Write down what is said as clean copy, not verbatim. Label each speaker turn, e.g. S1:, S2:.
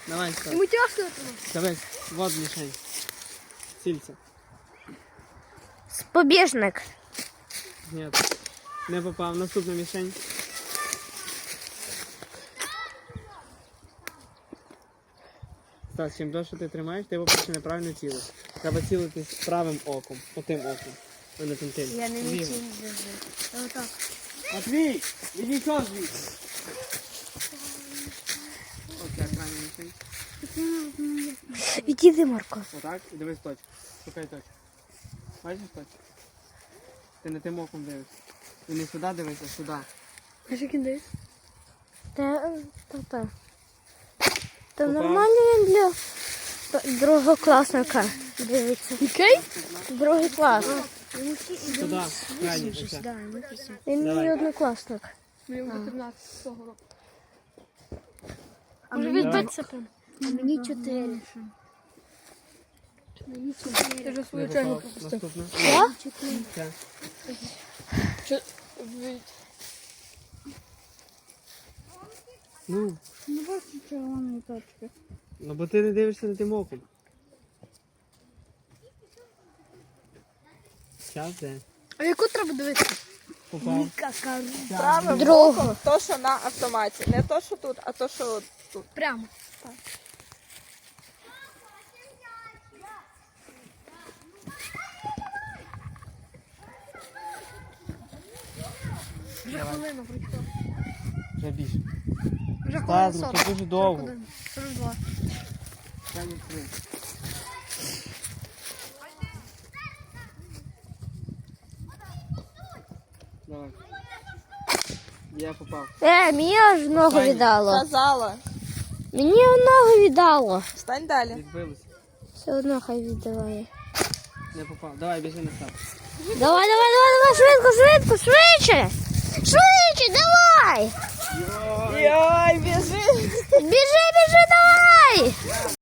S1: Давай, став.
S2: Ему тяжко этого.
S1: Давай, вот мішень. Цільця.
S3: Побіжник.
S1: Ні, не попав. Наступна мішень. Стас, чим довше ти тримаєш, ти, по-перше, неправильно цілиш. Треба цілити з правим оком, отим оком, а не тим.
S3: Я не
S1: Лівим.
S3: нічим держу. Отак.
S1: Матвій, відійшов звідси. Оце крайня мішень.
S3: Іди, Марко.
S1: Отак, і дивись точку. Шукай точку. Бачиш точку? Ти не тим оком дивишся. І не сюди дивишся, а сюди.
S2: А что кидает?
S3: Та. Та нормально він для другокласника дивиться.
S2: Окей?
S3: Другий клас.
S1: Сюди, крайній, оце.
S3: Він
S1: Давай.
S3: мій однокласник.
S2: Мне уже 13 цього року.
S3: А
S2: Може
S3: мені-
S2: відбитися прям?
S3: А мені 4.
S2: Ти вже
S1: Не
S2: свою чергу
S1: попав.
S2: пропустив.
S1: Наступна.
S3: Я?
S1: Це.
S2: Чи... ви-
S1: Ну,
S3: Ну, бачу червоної точки.
S1: ну бо ти не дивишся на тим оком. Час де?
S2: А яку треба дивитися?
S1: Попав.
S4: Правим
S3: Другу.
S4: оком то, що на автоматі. Не то, що тут, а то, що от тут.
S2: Прямо. Вже хвилина пройшла.
S1: Вже більше.
S2: Вже
S1: Стас,
S2: хвилина
S1: ну
S2: 40.
S1: це дуже довго.
S2: 42.
S1: Крайній хвилин. Давай. Я попав.
S3: Мені аж ногу
S1: Останній.
S3: віддало.
S4: Казала.
S3: Мені ногу віддало.
S4: Встань далі.
S1: Відбилося.
S3: Все одно хай віддаває.
S1: Не попав. Давай, біжи на старт.
S3: Давай, швидко, швидше! Швидше, давай!
S4: Йой, біжи.
S3: Біжи, давай!